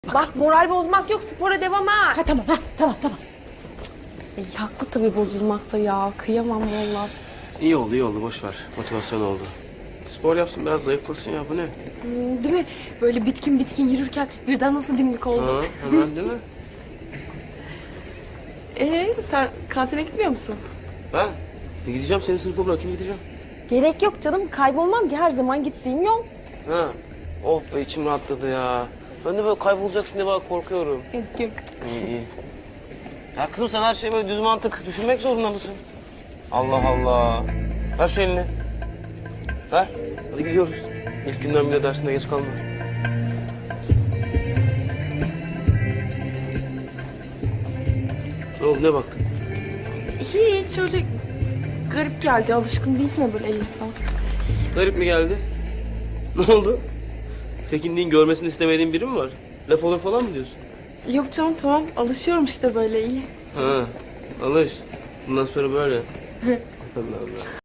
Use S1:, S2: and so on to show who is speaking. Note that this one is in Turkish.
S1: Bak moral bozmak yok, spora devam ha.
S2: Ha tamam, tamam.
S1: Haklı tabii bozulmakta ya. Kıyamam vallahi.
S3: İyi oldu boş ver. Motivasyon oldu. Spor yapsın biraz zayıflasın ya bu ne?
S1: Değil mi? Böyle bitkin yürürken birden nasıl dimdik oldum.
S3: Ha, hemen değil mi?
S1: Sen kantine gitmiyor musun?
S3: Ben gideceğim seni sınıfa bırakayım gideceğim.
S1: Gerek yok canım. Kaybolmam ki her zaman gittiğim yol.
S3: Ha. Oh be içim rahatladı ya. Ben de böyle kaybolacaksın diye bak korkuyorum.
S1: Yok.
S3: İyi. Ya kızım sen her şeyi böyle düz mantık düşünmek zorunda mısın? Allah Allah. Ver şu elini. Ver. Hadi gidiyoruz. İlk günden bile dersinde geç kalma. Ne oldu ne baktın?
S1: Hiç öyle garip geldi. Alışkın değil mi böyle elim falan?
S3: Garip mi geldi? Ne oldu? Çekindiğin, görmesini istemediğin biri mi var? Laf olur falan mı diyorsun?
S1: Yok canım tamam. Alışıyorum işte böyle iyi.
S3: Ha, alış. Bundan sonra böyle. Allah Allah.